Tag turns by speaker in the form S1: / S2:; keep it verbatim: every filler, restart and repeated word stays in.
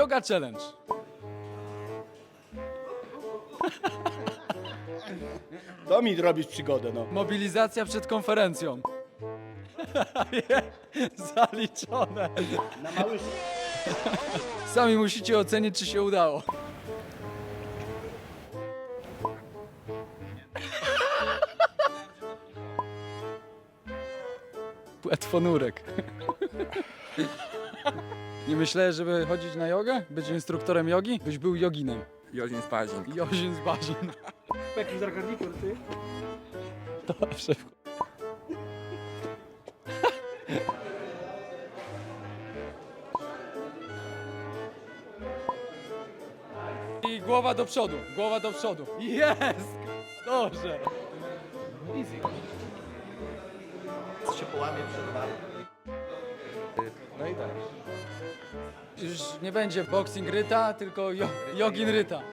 S1: Yoga challenge.
S2: To mi robisz przygodę, no.
S1: Mobilizacja przed konferencją. Zaliczone.
S2: Na mały...
S1: Sami musicie ocenić, czy się udało. Płetwonurek. Nie myślałeś, żeby chodzić na jogę? Być instruktorem jogi? Byś był joginem.
S3: Jozin Spazin.
S1: Jozin z Bazin.
S2: Jaki zagarnikur, ty?
S1: Dobrze. I głowa do przodu, głowa do przodu. Jest! Dobrze.
S2: Co się połamie przed wami.
S1: No i tak. Już nie będzie boxing ryta, tylko jo- jogin ryta.